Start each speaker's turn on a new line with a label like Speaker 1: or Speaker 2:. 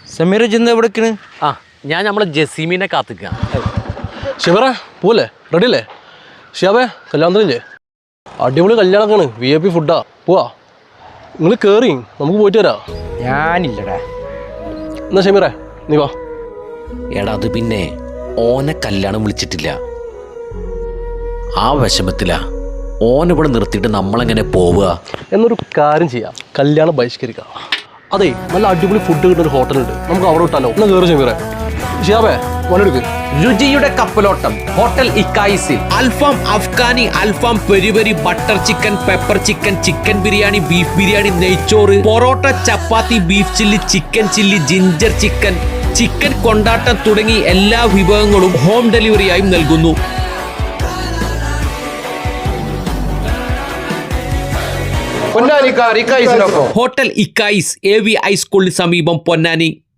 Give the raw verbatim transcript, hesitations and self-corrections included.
Speaker 1: സമീറ ചെന്ന് എവിടേക്കാണ്?
Speaker 2: ആ ഞാൻ നമ്മളെ ജസീമിനെ കാത്തിക്കാം.
Speaker 3: ശിവറ പോലെ റെഡി അല്ലേ? ഷിയാബേ കല്യാണത്തിനില്ലേ? അടിപൊളി കല്യാണമൊക്കെയാണ്, വി ഐ പി ഫുഡാ. പോവാ, നിങ്ങൾ കയറി നമുക്ക് പോയിട്ട് വരാം.
Speaker 1: ഞാനില്ലടാ.
Speaker 3: എന്നാ ഷമീറേ നീ വാ.
Speaker 2: എടാ അത് പിന്നെ ഓനെ കല്യാണം വിളിച്ചിട്ടില്ല, ആ വിഷമത്തിലാ. ഓനിവിടെ നിർത്തിയിട്ട് നമ്മളെങ്ങനെ പോവുക?
Speaker 3: എന്നൊരു കാര്യം ചെയ്യാം, കല്യാണം ബഹിഷ്കരിക്കാം. അതെ, നല്ല അടിപൊളി ഫുഡ് കിട്ടുന്ന ഒരു ഹോട്ടലുണ്ട്, നമുക്ക് അവിടെ വിട്ടാലോ? എന്നാ കയറി ഷമീറേ. ഷിയാബേ വന്നെടുക്ക്.
Speaker 2: രുചിയുടെ കപ്പലോട്ടം ഹോട്ടൽ ഇക്കായിസിൽ alfaham Afghani, alfaham peri peri, butter chicken, pepper chicken, chicken biryani, beef biryani, നെയ്ച്ചോറ്, parotta, chapati, beef chilli, chicken chilli, ginger chicken, chicken കൊണ്ടാട്ടം തുടങ്ങി എല്ലാ വിഭവങ്ങളും ഹോം ഡെലിവറിയായും നൽകുന്നു. ഹോട്ടൽ ഇക്കായിസ് എ വി ഹൈസ്കൂളിന് സമീപം പൊന്നാനി.